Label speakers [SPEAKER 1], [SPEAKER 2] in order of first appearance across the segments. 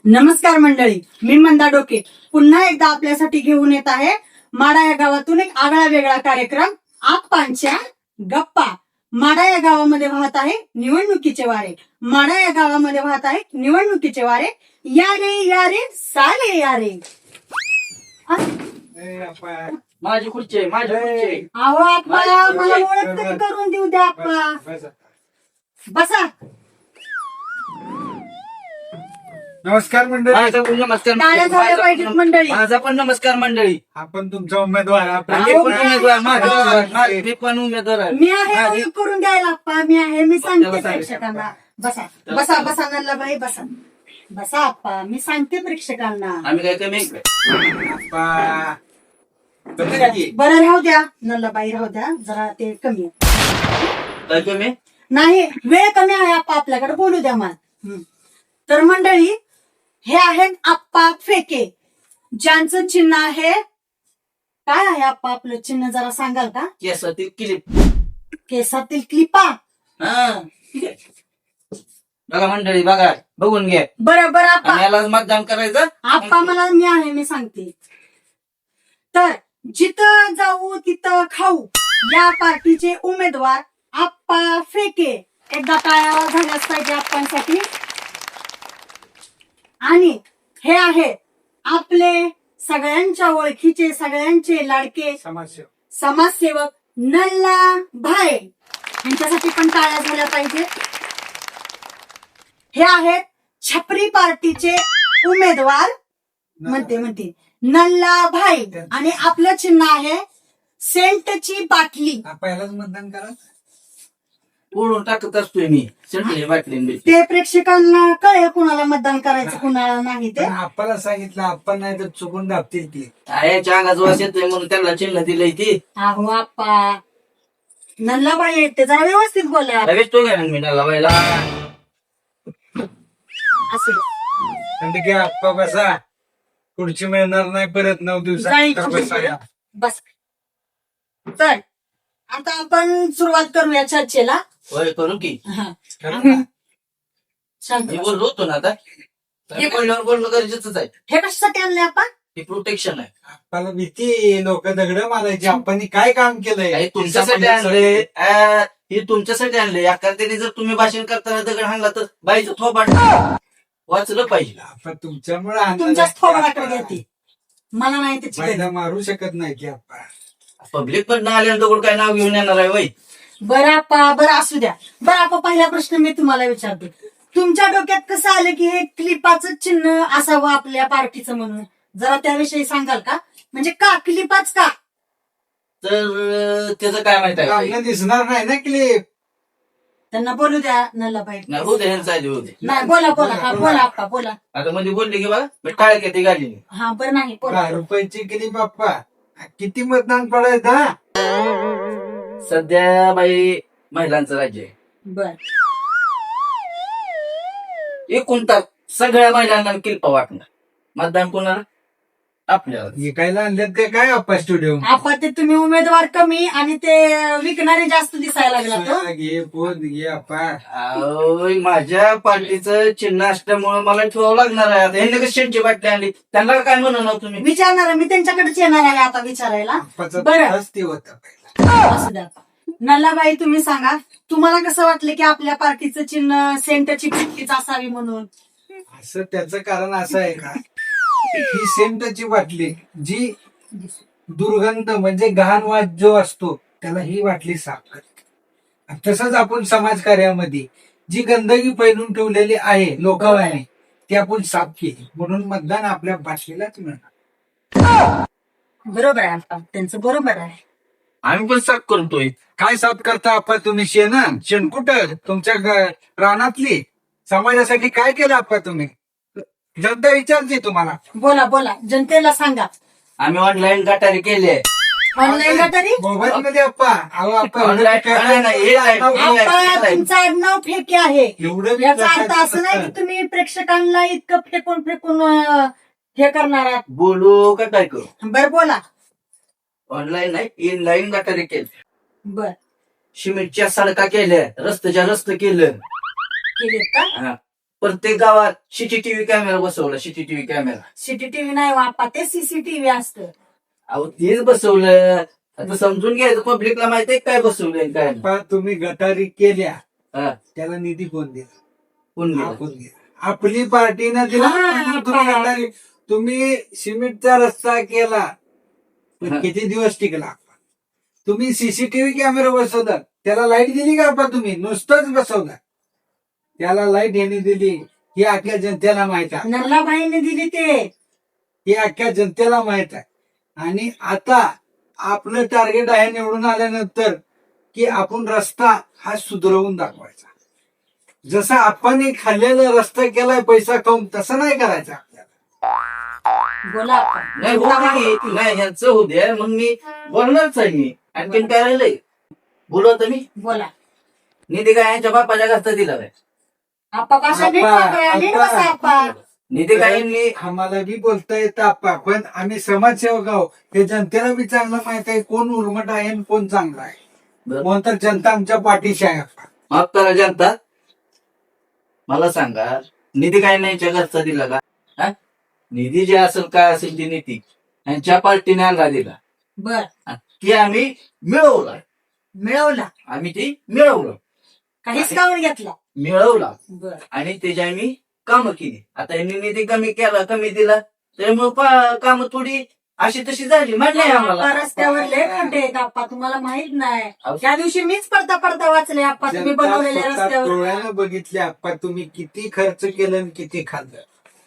[SPEAKER 1] नमस्कार मंडळी, मी मंदा डोके पुन्हा एकदा आपल्यासाठी घेऊन येत आहे माडा या गावातून एक आगळा वेगळा कार्यक्रम आप्पांच्या गप्पा. माडा या गावामध्ये वाहत आहे निवडणुकीचे वारे. माडा या गावामध्ये वाहत आहे निवडणुकीचे वारे. या रे साले या रे.
[SPEAKER 2] माझी खुर्ची आहे, माझी खुर्ची आहे.
[SPEAKER 1] अहो आप्पा, मला ओळख तरी करून देऊ द्या आप्पा. बसा.
[SPEAKER 3] नमस्कार मंडळी.
[SPEAKER 2] माझा पण नमस्कार
[SPEAKER 1] टाळ्या झाल्या पाहिजेत मंडळी.
[SPEAKER 2] माझा पण नमस्कार मंडळी.
[SPEAKER 3] आपण तुमचा उमेदवार
[SPEAKER 2] मी पण उमेदवार, मी पण उमेदवार आहे.
[SPEAKER 1] मी आहे ओळख करून द्यायला आप्पा. मी आहे, मी सांगते प्रेक्षकांना. बसा बसा बसा नल्लाबाई, बसा बसा आप्पा. मी सांगते प्रेक्षकांना.
[SPEAKER 2] आम्ही काय कमी
[SPEAKER 1] बरं राहू द्या नल्लाबाई, राहू द्या जरा, ते कमी आहे.
[SPEAKER 2] काय कमी
[SPEAKER 1] नाही, वेळ कमी आहे आप्पा आपल्याकडे, बोलू द्या मला. तर मंडळी, हे आहेत आप्पा फेके, ज्यांचं चिन्ह आहे. काय आहे आप्पा आपलं चिन्ह, जरा सांगाल का?
[SPEAKER 2] केसातील क्लिप.
[SPEAKER 1] केसातील क्लिपा.
[SPEAKER 2] हा बघा मंडळी, बघा, बघून घ्या.
[SPEAKER 1] बरोबर आप्पा.
[SPEAKER 2] आणि याला मतदान करायचं.
[SPEAKER 1] आप्पा मला, मी आहे, मी सांगते. तर जिथं जाऊ तिथं खाऊ या पार्टीचे उमेदवार आप्पा फेके. एकदा टाळ्या झाल्याच पाहिजे आप्पांसाठी. आणि हे आहे आपले सगळ्यांच्या ओळखीचे, सगळ्यांचे लाडके समाजसेवक नल्ला भाई. यांच्यासाठी पण टाळ्या झाल्या पाहिजे. हे आहेत छपरी पार्टीचे उमेदवार म्हणते नल्ला भाई. आणि आपलं चिन्ह आहे सेंटची बाटली.
[SPEAKER 3] पहिलाच मतदान करा.
[SPEAKER 2] ओढून टाकत असतोय मी संटली बाटली.
[SPEAKER 1] ते प्रेक्षकांना कळेल कुणाला मतदान करायचं कुणाला नाही ते.
[SPEAKER 3] आपल्याला सांगितलं, आपण नाही तर चुकून दाबतील ती.
[SPEAKER 2] याच्या अंगाच वास येतोय म्हणून त्यांना चिन्ह दिलंय ती.
[SPEAKER 1] अहो आप्पा, नल्लाबाई आहेत ते, जरा व्यवस्थित बोला.
[SPEAKER 2] लगेच तो घ्या मी नाला बायला.
[SPEAKER 1] असू द्या.
[SPEAKER 3] म्हणजे की आप्पा बसा, खुर्ची मिळणार नाही परत 9 दिवसात. बसा.
[SPEAKER 1] बस. तर आता आपण सुरुवात करूया चर्चेला.
[SPEAKER 2] होय करू की.
[SPEAKER 1] शांत
[SPEAKER 2] मी
[SPEAKER 1] बस.
[SPEAKER 2] बोललो होतो ना आता. हे बोलल्यावर बोलणं गरजेचंच आहे.
[SPEAKER 1] हे कशासाठी आणले आपण?
[SPEAKER 2] हे प्रोटेक्शन आहे.
[SPEAKER 3] आप्पाला भीती, लोक दगड मारायची. आपण काय काम केलंय?
[SPEAKER 2] हे तुमच्यासाठी आणले. हे तुमच्यासाठी आणले. एखाद्याने जर तुम्ही भाषण करताना दगड हाणला तर बाईचं थोपाट वाचलं पाहिजे.
[SPEAKER 3] आपण तुमच्यामुळे
[SPEAKER 1] तुमच्याच थोबाडाकडे घेते, मला नाही त्याची गरज.
[SPEAKER 3] फायदा मारू शकत नाही की आप्पा.
[SPEAKER 2] पब्लिक पण आल्यानंतर दगड काय नाव घेऊन येणार आहे वय.
[SPEAKER 1] बरं आप्पा, बरं असू द्या. बरं आप्पा, पहिला प्रश्न मी तुम्हाला विचारते. तुमच्या डोक्यात कसं आलं की हे क्लिपाचं चिन्ह असावं आपल्या पार्टीचं म्हणून, जरा त्याविषयी सांगाल का? म्हणजे का क्लिपाच का?
[SPEAKER 2] तर त्याचं काय माहित आहे
[SPEAKER 3] आपल्याला दिसणार नाही ना क्लिप.
[SPEAKER 1] त्यांना बोलू द्या नल्लाबाई.
[SPEAKER 2] नाही होते ह्यांचं आधी होते.
[SPEAKER 1] नाही, बोला बोला. हा बोला आप्पा, बोला.
[SPEAKER 2] आता मध्ये बोलले की बघा मी टाळ घेते गाडी.
[SPEAKER 1] हा बरं, नाही बोला.
[SPEAKER 3] 10 रुपयाची क्लिप आप्पा. किती मतदान पडायचं?
[SPEAKER 2] सध्या बाई महिलांचं राज्य आहे.
[SPEAKER 1] बर.
[SPEAKER 2] एकूण तर सगळ्या महिलांना किल्पा वाटणार. मतदान कोणाला? आपल्याला.
[SPEAKER 3] विकायला आणल्यात का काय आप्पा स्टुडिओ?
[SPEAKER 1] आप्पा, ते तुम्ही उमेदवार कमी आणि ते विकणारे जास्त दिसायला लागला तो.
[SPEAKER 3] घे पोत घे आप्पा.
[SPEAKER 2] अहो, माझ्या पार्टीचं चिन्ह असल्यामुळे मला ठेवावं लागणार आहे. आता ह्यांनी कशी शेंटची बाटली आणली, त्यांना काय म्हणणार तुम्ही?
[SPEAKER 1] विचारणार, मी त्यांच्याकडेच येणार आहे आता विचारायला.
[SPEAKER 3] आप्पाचा
[SPEAKER 1] बरं.
[SPEAKER 3] त्रास ते होता पहिला.
[SPEAKER 1] असू द्या. नल्लाबाई, तुम्ही सांगा, तुम्हाला कसं वाटलं की आपल्या पार्टीचं चिन्ह सेंटची बाटलीच असावी म्हणून?
[SPEAKER 3] असं त्याचं कारण असं आहे का, ही सेंटची बाटली जी दुर्गंध म्हणजे घाण वास जो असतो त्याला ही बाटली साफ करते. तसंच आपण समाजकार्यामध्ये जी गंदगी पैलून ठेवलेली आहे लोकांनी ती आपण साफ केली, म्हणून मतदान आपल्या बाटलीलाच मिळणार.
[SPEAKER 1] बरोबर आहे आप्पा, त्यांचं बरोबर आहे.
[SPEAKER 2] आम्ही पण साफ करतोय.
[SPEAKER 3] काय साफ करता आप्पा तुम्ही? शेण कुठं तुमच्या रानातली? समाजासाठी काय केलं आप्पा तुम्ही? जनता विचारते तुम्हाला.
[SPEAKER 1] बोला बोला, जनतेला सांगा.
[SPEAKER 2] आम्ही ऑनलाईन गटारी केली आहे.
[SPEAKER 1] ऑनलाईन का तरी?
[SPEAKER 3] मोबाईल मध्ये आप्पा. अहो आप्पा
[SPEAKER 1] आप्पा, तुमचं आडनाव फेके आहे.
[SPEAKER 3] एवढं
[SPEAKER 1] याचा अर्थ असं नाही की तुम्ही प्रेक्षकांना इतकं फेकून फेकून हे करणार आहात.
[SPEAKER 2] बोलू का काय करू?
[SPEAKER 1] बरं बोला.
[SPEAKER 2] ऑनलाईन नाही, इनलाईन गटारी केली.
[SPEAKER 1] बर.
[SPEAKER 2] सिमेंटच्या सडका केल्या, रस्त्याच्या रस्ते केलं.
[SPEAKER 1] केलेत का?
[SPEAKER 2] हा. प्रत्येक गावात सीसीटीव्ही कॅमेरा बसवला, सीसीटीव्ही कॅमेरा.
[SPEAKER 1] सीसीटीव्ही नाही वापा, ते सीसीटीव्ही असतं.
[SPEAKER 2] अहो तेच बसवलं. आता समजून घ्यायचं, पब्लिकला माहिती आहे काय बसवलंय काय नाही.
[SPEAKER 3] पण तुम्ही गटारी केल्या
[SPEAKER 2] हा,
[SPEAKER 3] त्याला निधी कोण दिला?
[SPEAKER 2] कोण गेलं?
[SPEAKER 3] आपण दिला. आपली पार्टीनं दिला.
[SPEAKER 1] हा,
[SPEAKER 3] तुम्ही गटारी, तुम्ही सिमेंटचा रस्ता केला पण
[SPEAKER 2] हा.
[SPEAKER 3] किती दिवस टिकला? तुम्ही सीसीटीव्ही कॅमेरा बसवला, त्याला लाईट दिली का आपण? तुम्ही नुसतंच बसवला, त्याला लाईट यांनी दिली ही अख्ख्या जनतेला माहित आहे.
[SPEAKER 1] नल्लाबाईने दिली ते.
[SPEAKER 3] हे अख्ख्या जनतेला माहित आहे. आणि आता आपलं टार्गेट आहे निवडून आल्यानंतर की आपण रस्ता हा सुधरवून दाखवायचा. जसा आपण खाल्लेला रस्ता केलाय पैसा खाऊन, तसं नाही करायचं आपल्याला.
[SPEAKER 1] बोला आपण.
[SPEAKER 2] नाही हो नाही, यांचं होऊ द्या, मग मी बोलणारच आहे. मी आणखीन काय राहिलंय बोलू आता मी.
[SPEAKER 1] बोला.
[SPEAKER 2] निधी काय यांच्या बापाच्या घरचा दिला काय?
[SPEAKER 1] आप्पा कशा नीट
[SPEAKER 3] आप्पा,
[SPEAKER 1] वापरा, नीट
[SPEAKER 3] आप्पा.
[SPEAKER 1] बसा आप्पा.
[SPEAKER 2] निधी काय मी
[SPEAKER 3] आम्हाला बी बोलता येतं आप्पा, पण आम्ही समाजसेवक आहोत. हे जनतेला बी चांगलं माहित आहे कोण उर्मट आहे आणि कोण चांगला आहे. म्हणून तर जनता आमच्या पाठीशी आहे आप्पा.
[SPEAKER 2] माफ करा जनता, मला सांगा निधी काय नाही यांच्या घरचा दिला का? हा? निधी जे असेल काय असेल ती नीती यांच्या पार्टीने आणला दिला.
[SPEAKER 1] बर,
[SPEAKER 2] ती आम्ही मिळवला.
[SPEAKER 1] मिळवला.
[SPEAKER 2] आम्ही ती मिळवलं,
[SPEAKER 1] काहीच काढून घेतला.
[SPEAKER 2] मिळवला
[SPEAKER 1] बर.
[SPEAKER 2] आणि त्याची आम्ही कामं केली. आता यांनी निधी कमी केला, कमी दिला, त्यामुळे कामं थोडी अशी तशी झाली. म्हटलंय
[SPEAKER 1] आप्पा
[SPEAKER 2] आम्हाला.
[SPEAKER 1] रस्त्यावर लय खड्डे आहेत आप्पा, तुम्हाला माहित नाही.
[SPEAKER 2] अहो.
[SPEAKER 1] त्या दिवशी मीच पडता पडता वाचले आप्पा, तुम्ही
[SPEAKER 3] जनता
[SPEAKER 1] बनवलेल्या
[SPEAKER 3] स्वतः
[SPEAKER 1] रस्त्यावर.
[SPEAKER 3] डोळ्यानं बघितले आप्पा तुम्ही किती खर्च केलं आणि किती खाल्लं.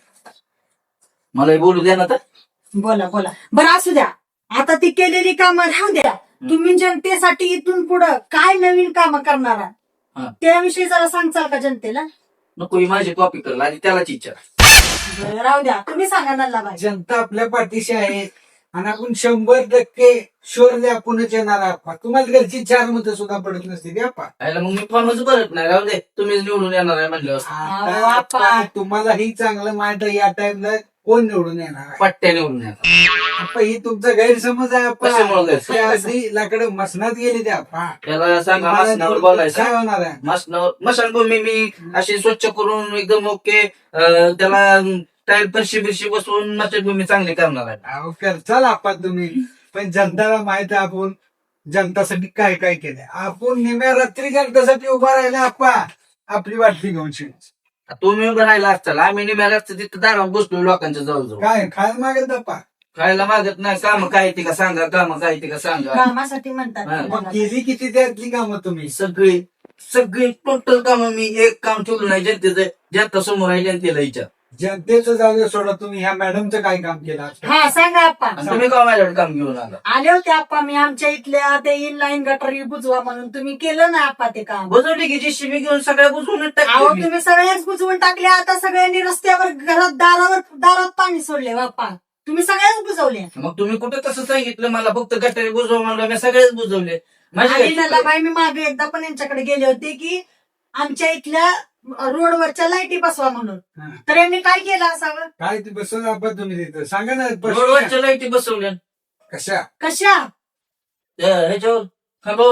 [SPEAKER 2] मला बोलू द्या ना आता.
[SPEAKER 1] बोला बोला. बरं असू द्या, आता ती केलेली कामं राहू द्या. तुम्ही जनतेसाठी इथून पुढं काय नवीन कामं करणार आहात?
[SPEAKER 2] हा.
[SPEAKER 1] त्याविषयी जरा सांगचाल का जनतेला?
[SPEAKER 2] नको ही माझी कॉपी करला आणि त्यालाच इच्छा.
[SPEAKER 1] बरं, राहू द्या, तुम्ही सांगा नल्लाबाई.
[SPEAKER 3] जनता आपल्या पाठीशी आहे आणि आपण 100% शुअरली आपणच येणार आप्पा. तुम्हाला घरची 4 मतं सुद्धा पडत नसते ते आप्पा.
[SPEAKER 2] यायला मग मी फॉर्मच भरत नाही. राहू दे, तुम्हीच निवडून येणार आहे म्हणल्यावर
[SPEAKER 3] आता
[SPEAKER 1] आप्पा.
[SPEAKER 3] आप्पा, तुम्हाला ही चांगलं माहित आहे या टाइमला कोण निवडून येणार आहे.
[SPEAKER 2] पट्ट्या निवडून येणार.
[SPEAKER 3] आप्पा ही तुमचा गैरसमज आहे आप्पा.
[SPEAKER 2] कशामुळे गैरसमज?
[SPEAKER 3] त्या आधी लाकडं मसनात गेली ते आप्पा.
[SPEAKER 2] त्याला सांगा
[SPEAKER 3] तुम्हाला
[SPEAKER 2] मसनावर
[SPEAKER 3] निवडून
[SPEAKER 2] बोलायचं.
[SPEAKER 3] काय होणार आहे?
[SPEAKER 2] मसनावर मशानभूमी मी अशी स्वच्छ करून एकदम ओके त्याला टाईल फरशी बिरशी बसवून मशानभूमी चांगली करणार आहे.
[SPEAKER 3] अहो, करचाल आप्पा तुम्ही, पण जनताला माहित आहे आपण जनतासाठी काय काय केलंय. आपण निम्या रात्री जनतासाठी उभा राहिला आप्पा, आपली वाटली घेऊन शिवाय.
[SPEAKER 2] तुम्ही उभं राहिला असताल, आम्ही निघाला असतं तिथं दारात बसलो लोकांच्या जवळजवळ.
[SPEAKER 3] काय खायला मागेल आप्पा.
[SPEAKER 2] खायला मागत नाही. काम काय ते का सांगा, काम काय ते का सांगा.
[SPEAKER 1] कामासाठी म्हणतात
[SPEAKER 2] हा.
[SPEAKER 3] मग केली किती त्यातली कामं तुम्ही?
[SPEAKER 2] सगळी सगळी टोटल काम मी एक काम ठेवलं नाही जनतेचं. जनता समोर आहे, जनतेला विचार.
[SPEAKER 3] जनतेचं जाऊ दे सोडा, तुम्ही ह्या मॅडमचं काय काम केलं आज?
[SPEAKER 1] हा सांगा आप्पा.
[SPEAKER 2] आणि तुम्ही का माझ्याकडे काम घेऊन आला?
[SPEAKER 1] आले होते आप्पा मी आमच्या इथल्या ते इनलाईन गटारी बुजवा म्हणून, तुम्ही केलं ना आप्पा ते काम.
[SPEAKER 2] बुजवली की जीसीबी घेऊन सगळ्या बुजवून
[SPEAKER 1] अहो
[SPEAKER 2] टाकली.
[SPEAKER 1] तुम्ही सगळ्याच बुजवून टाकले. आता सगळ्यांनी रस्त्यावर घरात दारात पाणी सोडले बाप्पा. तुम्ही सगळ्याच बुजवले.
[SPEAKER 2] मग तुम्ही कुठे तसं सांगितलं मला? फक्त गटारी बुजव म्हणलं, मी सगळेच बुजवले. माझी
[SPEAKER 1] आणि
[SPEAKER 2] काय चूक आहे?
[SPEAKER 1] नल्लाबाई मी मागे एकदा पण यांच्याकडे गेले होते की आमच्या इथल्या रोडवरच्या लाईटी बसवा म्हणून.
[SPEAKER 3] हा.
[SPEAKER 1] तर यांनी काय केलं असावं?
[SPEAKER 3] काय ते बसवलं आप्पा तुम्ही तिथं? सांगा ना.
[SPEAKER 2] रोडवरच्या लाईटी बसवल्या
[SPEAKER 3] कशा?
[SPEAKER 1] कशा?
[SPEAKER 2] ह्याच्यावर खांबावर.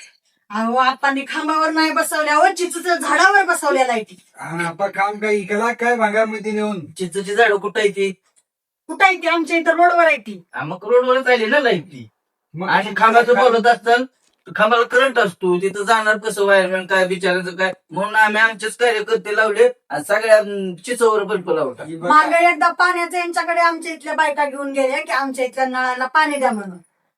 [SPEAKER 1] अहो आपण खांबावर नाही बसवल्या, वर चिचूच्या झाडावर बसवल्या लाईटी.
[SPEAKER 3] आणि आप्पा काम काय इकला काय भागामध्ये नेऊन?
[SPEAKER 2] चिंचची झाडं कुठं आहे ती?
[SPEAKER 1] कुठं आहे ती? आमच्या इथं रोडवर आहे ती.
[SPEAKER 2] हा, मग रोडवरच आली ना लाईट ती.
[SPEAKER 3] मग
[SPEAKER 2] आणि खांबाचं बोलत असताना खांबाला करंट असतो, तिथं जाणार कसं वायरमॅन काय बिचारायचं काय, म्हणून आम्ही आमचेच कार्यकर्ते लावले आणि सगळ्या चिचवर बल्ब लावला.
[SPEAKER 3] ही बघा,
[SPEAKER 1] मागे एकदा पाण्याचं यांच्याकडे आमच्या इथल्या बायका घेऊन गेल्या की आमच्या इथल्या नळाला पाणी द्या म्हणून.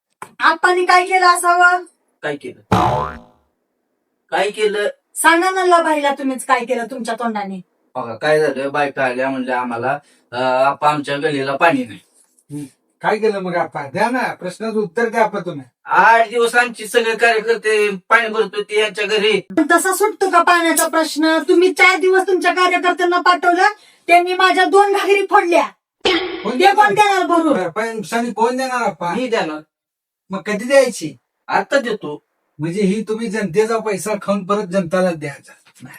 [SPEAKER 1] आपण काय केलं असावं?
[SPEAKER 2] काय केलं? काय केलं?
[SPEAKER 1] सांगा ना बाईला तुम्हीच काय केलं तुमच्या तोंडाने.
[SPEAKER 2] बघा काय झालं, बायका आल्या म्हणल्या आम्हाला आपा आमच्या गलीला पाणी नाही.
[SPEAKER 3] काय केलं मग आप्पा? द्या ना, प्रश्नाचं उत्तर द्या आप्पा तुम्ही.
[SPEAKER 2] 8 दिवस आमचे सगळे कार्यकर्ते पाणी भरत होते यांच्या घरी.
[SPEAKER 1] पण तसा सुटतो का पाण्याचा प्रश्न? तुम्ही 4 दिवस तुमच्या कार्यकर्त्यांना पाठवलं, त्यांनी माझ्या 2 घागरी फोडल्या. ते कोण देणार भरून?
[SPEAKER 3] भरपाई नुकसानी कोण देणार आप्पा?
[SPEAKER 2] मी देणार.
[SPEAKER 3] मग कधी द्यायची?
[SPEAKER 2] आता देतो.
[SPEAKER 3] म्हणजे ही तुम्ही जनतेचा पैसा खाऊन परत जनताला द्यायचा.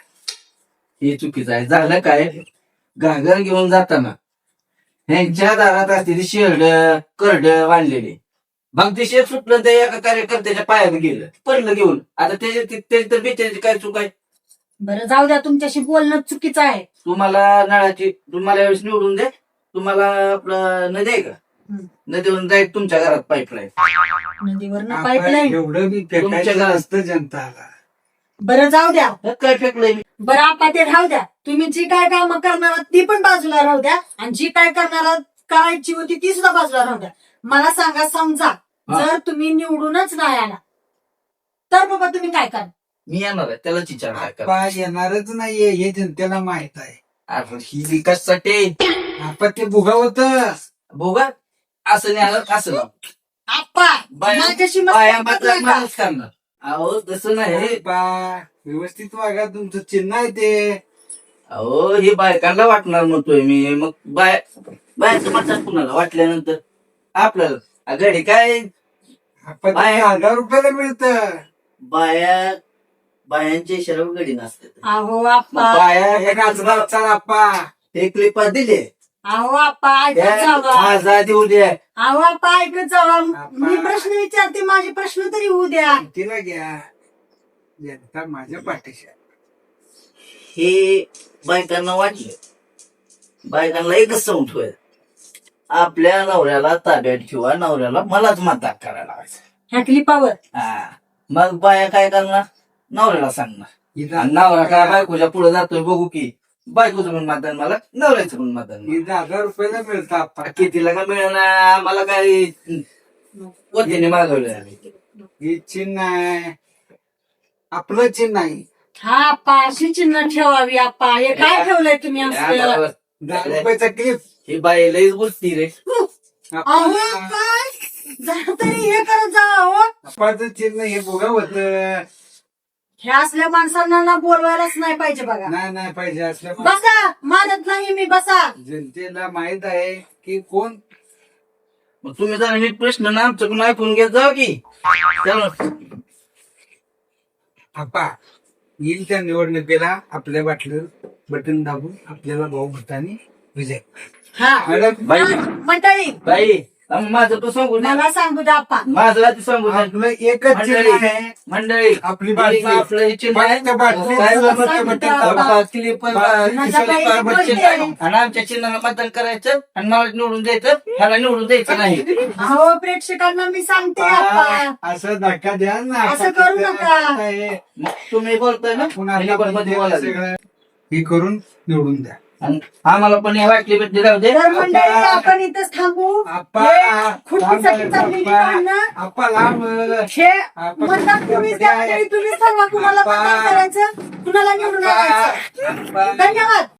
[SPEAKER 2] हे चुकीचं आहे. झालं काय, घागर घेऊन जाताना ह्यांच्या दारात असलेली शेरड करड बांधलेली, मग ते शेत सुटलं ते एका कार्यकर्त्याच्या पायात गेलं, पडलं घेऊन. आता त्याची तर बिचाराची काय चूक आहे?
[SPEAKER 1] बरं जाऊ द्या, तुमच्याशी बोलणं चुकीचं आहे.
[SPEAKER 2] तुम्हाला यावेळेस निवडून दे. तुम्हाला आपलं नदी आहे का?
[SPEAKER 1] हम्म.
[SPEAKER 2] नदीवरून जाईल तुमच्या घरात पाईपलाईन.
[SPEAKER 1] नदीवरनं
[SPEAKER 3] आपण
[SPEAKER 1] पाईपलाईन.
[SPEAKER 3] एवढं बी
[SPEAKER 2] तुमच्या
[SPEAKER 3] फेकायचं
[SPEAKER 2] घरात.
[SPEAKER 3] नसतं जनताला.
[SPEAKER 1] बरं जाऊ द्या.
[SPEAKER 2] काय फेकलंय मी?
[SPEAKER 1] बरं आपा ते राहू द्या. तुम्ही जी काय कामं करणार आहात ती पण बाजूला राहू द्या, आणि जी काय करायची होती ती सुद्धा बाजूला राहू द्या. मला सांगा, समजा
[SPEAKER 2] हा.
[SPEAKER 1] जर तुम्ही निवडूनच नाही आला तर बाबा तुम्ही काय करा?
[SPEAKER 2] मी येणार आहे त्यालाच विचार काय करा.
[SPEAKER 3] आपा येणारच नाहीये हे जनतेला माहित आहे.
[SPEAKER 2] अरे ही विकाससाठी
[SPEAKER 3] आपण ते भुगावत
[SPEAKER 2] भोगा असं नाही आलं असं लाव.
[SPEAKER 1] आप्पा
[SPEAKER 2] बाया-
[SPEAKER 1] माझ्याशी
[SPEAKER 2] बाया
[SPEAKER 1] मस्करी
[SPEAKER 2] मात्र
[SPEAKER 1] करू नका.
[SPEAKER 2] माणूस करणार. अहो तसं नाही.
[SPEAKER 3] व्यवस्थित वागा, तुमचं चिन्ह आहे ते.
[SPEAKER 2] अहो हे बायकांना वाटणार म्हणतोय मी. मग बायाचं म्हणतात कुणाला वाटल्यानंतर आपल्याला घडी काय
[SPEAKER 3] आपण
[SPEAKER 2] बाया-
[SPEAKER 3] 1000 रुपयाला मिळतं.
[SPEAKER 2] बायांच्या इशाऱ्यावर गडी नसते.
[SPEAKER 1] अहो आप्पा,
[SPEAKER 2] बाया
[SPEAKER 3] हे नाचणार चाल आपा.
[SPEAKER 2] हे क्लिपा दिले
[SPEAKER 1] अहो आप्पा ऐकत जावा.
[SPEAKER 2] आजादी उद्या.
[SPEAKER 1] अहो आप्पा ऐकत जावा.
[SPEAKER 3] आप्पा.
[SPEAKER 1] मी प्रश्न विचारते, माझे प्रश्न तरी होऊ द्या.
[SPEAKER 3] तिला घ्या, जनता माझ्या पाठीशी आहे.
[SPEAKER 2] हे बायकांना वाटले. बायकांना एकच समजून ठेवायचं, आपल्या नवऱ्याला ताब्यात ठेवा, नवऱ्याला मलाच मतदान करायला लावायचं.
[SPEAKER 1] ह्या क्लिपावर
[SPEAKER 2] हा. मग बाया काय करणार? नवऱ्याला सांगणार.
[SPEAKER 3] इथं
[SPEAKER 2] आणि नवरा काय बायकोच्या पुढे जातोय बघू की, बायकोचं पण मतदान मला, नवऱ्याचं पण मतदान मला.
[SPEAKER 3] 1000 रुपयाला मिळतं आपा.
[SPEAKER 2] कितीला का मिळणार? मला काय वतीने मागवलं आम्ही.
[SPEAKER 3] हे चिन्ह आहे, आपलं चिन्ह आहे.
[SPEAKER 1] हा आप्पा अशी चिन्ह ठेवावी. आप्पा हे काय ठेवलंय तुम्ही असं?
[SPEAKER 3] 10 रुपयाचा क्लिप.
[SPEAKER 2] ही बाई लईच बोलती रे.
[SPEAKER 1] अहो काय जरा तरी हे करत जा. अहो
[SPEAKER 3] आपाचं चिन्ह हे भोगावत.
[SPEAKER 1] हे असल्या माणसांना ना बोलवायलाच नाही पाहिजे बघा.
[SPEAKER 3] नाही पाहिजे असल्या
[SPEAKER 1] बसा, मानत नाही मी, बसा.
[SPEAKER 3] जनतेला माहित आहे की कोण.
[SPEAKER 2] मग तुम्ही जरा नीट प्रश्न ना आमच्याकडून ऐकून घेत जाऊ की. त्यामुळे
[SPEAKER 3] आपा येईल त्या निवडणुकीला आपल्या बाटलीवर बटन दाबून आपल्याला भाऊ भटाने विजय.
[SPEAKER 1] हा
[SPEAKER 3] मॅडम
[SPEAKER 2] बाई
[SPEAKER 1] मंडळी
[SPEAKER 2] बाई माझं तो सांगू द्या.
[SPEAKER 1] मला सांगू द्या आप्पा.
[SPEAKER 2] माझं आधी सांगू द्या.
[SPEAKER 3] आपलं एकच चिन्ह आहे.
[SPEAKER 2] मंडळी
[SPEAKER 3] आपली बाटली.
[SPEAKER 2] आपलं हे चिन्ह आहे.
[SPEAKER 3] बाटली- बाटली-
[SPEAKER 2] काय
[SPEAKER 3] बाटली-
[SPEAKER 2] बघा,
[SPEAKER 3] बटन
[SPEAKER 2] बघा,
[SPEAKER 3] दाबा.
[SPEAKER 2] क्लिपर-
[SPEAKER 1] माझ्या
[SPEAKER 2] क्लिपर-
[SPEAKER 1] बाईला
[SPEAKER 2] बटन
[SPEAKER 1] बोलते.
[SPEAKER 2] दाबा. आणि आमच्या चिन्हाला मतदान करायचं आणि मला निवडून द्यायचं, ह्याला निवडून द्यायचं नाही.
[SPEAKER 1] अहो प्रेक्षकांना मी सांगते आप्पा,
[SPEAKER 3] असं धक्का द्या ना.
[SPEAKER 1] असं करू नका.
[SPEAKER 2] मग तुम्ही बोलताय ना,
[SPEAKER 3] आपण आपल्या
[SPEAKER 2] मध्ये बोला.
[SPEAKER 3] सगळं हे करून निवडून द्या.
[SPEAKER 2] आणि आम्हाला पण हे वाटली भेटली राहू दे.
[SPEAKER 1] तर मंडळी आपण इथंच थांबू.
[SPEAKER 3] आप्पा
[SPEAKER 1] हे खुर्चीसाठी चाललेली भांडणं,
[SPEAKER 3] आप्पा लांब.
[SPEAKER 1] हे मतदान तुम्हीच द्या मंडळी, तुम्हीच ठरवा कुणाला मतदान करायचं, कुणाला निवडून आणायचं.
[SPEAKER 3] आप्पा.
[SPEAKER 1] धन्यवाद.